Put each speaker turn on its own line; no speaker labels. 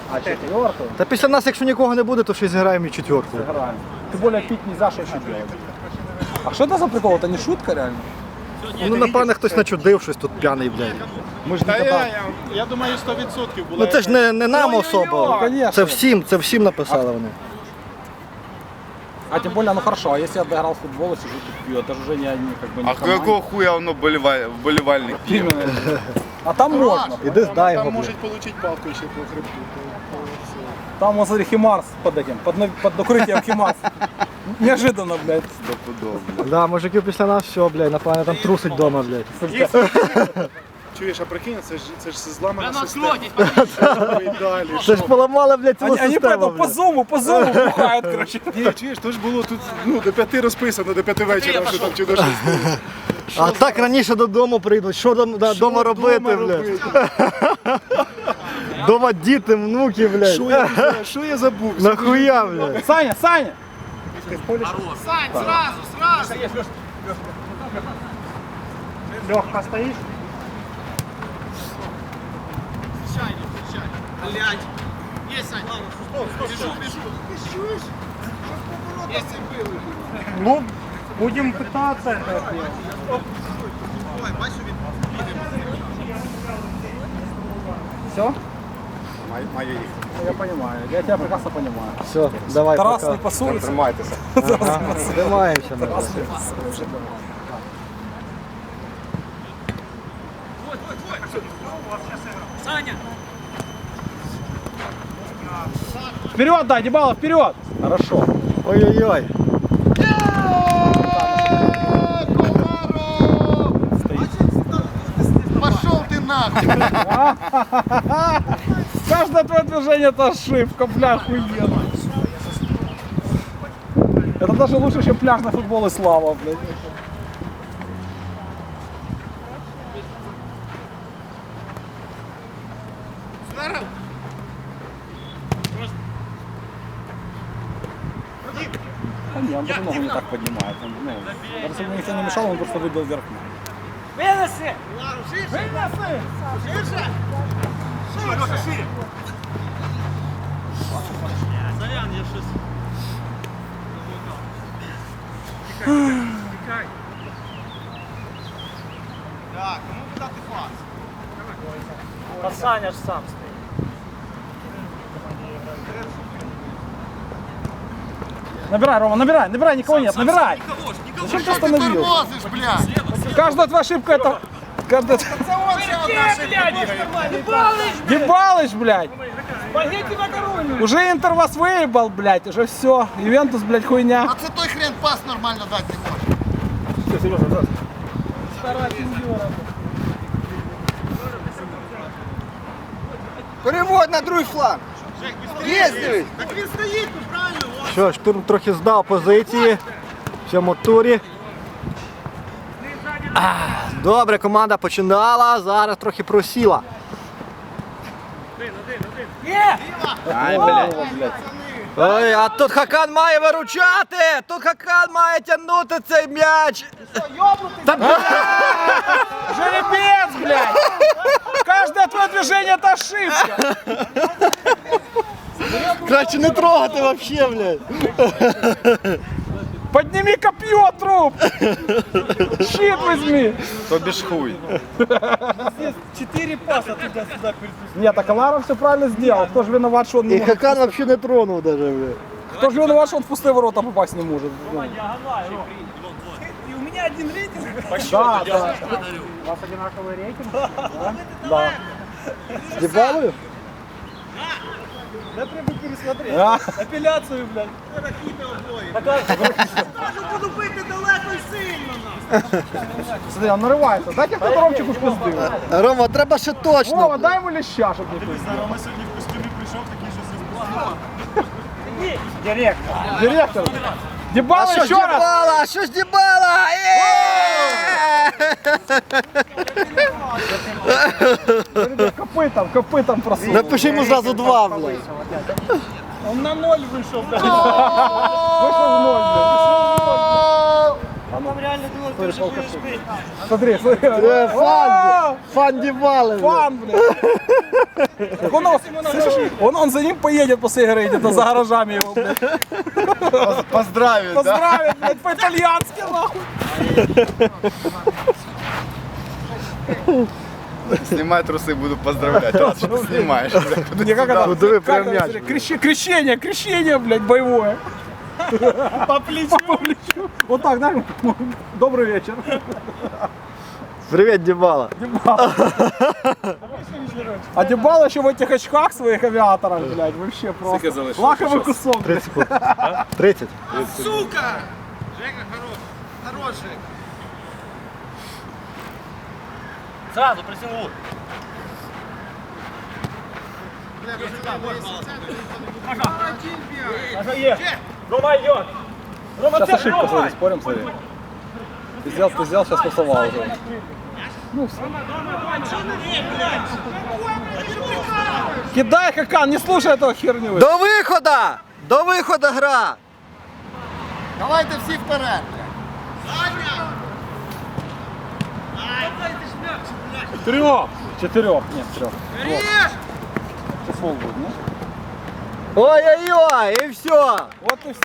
А четвертую?
Та після нас, якщо нікого не буде, то ще зіграємо і четвертку.
Сыграем. Тем более пить нельзя, что еще делать. А что это за прикол? Это не шутка реально?
Ну, напевне, хтось начудив щось тут п'яний, блядь.
Мы же
Та
никогда...
я думаю, 100% була.
Ну це ж не нам особо.
Конечно.
Це всім написали вони.
А тем более, ну хорошо, а если я доиграл в футбол и сижу тут пью, это же уже не как бы не
А
команда.
какого хуя воно вболівальник п'є?
Именно. А там можно.
Іди здай його,
Там
блядь.
можуть отримати палку ще по хребту.
Там, вот смотри, Химарс под этим, под укрытием Химарс. Неожиданно, блядь.
Стопудово, блядь.
Да, мужики після нас все, блядь, напевне, там трусить вдома, блядь.
Чуєш, а прикинь, це ж зламана система. І далі.
Це ж поламали, блядь, цілу
Они
систему,
поэтому по
блядь.
зуму бухают, короче.
Ні, чуєш, то ж було тут до 5 розписано, до 5 вечора, що там чи до 6.
А так раніше додому прийдуть, що дома робити, блядь. Дома діти, внуки, блядь.
Що я забув?
Нахуя, блядь.
Саня, Саня!
Сань, сразу!
Лёгко стоишь?
Блядь! Есть, Сань! Бежу! Есть и был!
Ну, будем пытаться это сделать.
Ой, бачу, він
Все?
Має їх.
Я понимаю, я тебя прекрасно понимаю.
Все, давай,
Тарас
пока.
не пасуется.
Тримайтеся.
Ага, тримаємося, ми.
Тарас не пасуется.
Саня!
Вперед, да, Дебало, вперед! Хорошо.
Ой-ой-ой.
Пошел ты нахуй!
Каждое твое движение это ошибка, бля, охуенно. Это даже лучше, чем пляжный футбол и слава, блядь. Да не, он даже ногу не так поднимает. Он, ну, даже если бы никто не мешал, он просто выбил вверх.
Вынеси! Вынеси! Ширше! Шире, шире! Зарян, я щось... Тікай. Так, кому дати пас?
Та Саня ж сам стоїть.
Набирай, Рома, набирай, набирай, никого нет, набирай!
Никого ж, никого
Зачем
ж.
ты остановился?
Тормозишь, блядь!
Каждая твоя ошибка это... Каждая... Ебалыч, блядь!
Спагетти макарони!
Уже Интер вас выебал, блядь, уже все. Ювентус, блядь, хуйня.
А це той хрен пас нормально дати не може.
Переводь на другий фланг. Є здесь.
Так він стоїть, ну правильно, ось.
Що, штурм трохи здав позиції в цьому турі. Добре, команда починала, зараз трохи просіла.
Ай, блядь.
Ой, а тут Хакан має виручати! Тут Хакан має тягнути цей м'яч!
Жеребец, блядь! Каждое твое движение это ошибка.
Краще не трогати вообще, блядь!
Подними копье, труп! Щит возьми!
Тобі ж хуй.
4 паса туди-сюди.
Нет, так Аларов все правильно сделал. Кто же виноват, что он не
І
может...
Хакан вообще не тронув даже, блядь.
Кто же виноват, что он в пустые ворота попасть не может? Ну,
І у мене один рейтинг.
да, да.
У вас одинаковий рейтинг?
Да.
З Дібалою?
Я треба пересмотреть.
А?
Апеляцію, блядь. Буду бити далеко і сильно, нахуй.
Смотри, он нарывается. Дайте кто-то Ромчику пизды.
Рома, треба ще
Вова,
точно.
дай ему леща, чтобы не пизды.
Рома сьогодні в костюмі прийшов, такий же
Директор. Директор. Дебало
А що ж
еще раз.
Дібала? А що ж Дібала?
Копытом просунул.
Напиши йому зразу 2, блядь.
Он на 0 вийшов, блядь.
Вышел в ноль, блядь. Смотри, полкаши. Смотри, смотри.
Фан Дібали, блядь.
Фан, блядь. Так слышишь, он за ним поедет после игры, где-то за гаражами его, блядь.
Поздравить, да?
Поздравит, блядь, по-итальянски, нахуй.
Снимай трусы, буду поздравлять. Раз что ты снимаешь.
Не, как это?
Куда вы
Как
прям
это,
мяч,
смотри, крещение, блядь, боевое. По плечу. Вот так, да? Добрый вечер.
Привіт, Дібала.
А Дебал еще в этих очках своих авиаторах, блядь, вообще просто. Лаковый кусок, блядь.
30 секунд. 30.
Сука! Жека, хорош. Хорош, Жека. Сразу присягнул. Рома идет. Рома,
Сейчас ошибка, смотри, спорим, смотри. Ты сделал, сейчас пасовал уже. Ну, все. Кидай, Хакан, не слушай этого херню.
До виходу! До виходу гра!
Давайте всі вперед.
Четырех, нет, трех. Сейчас фол будет, нет?
Ой-ой-ой, і все!
Вот и все.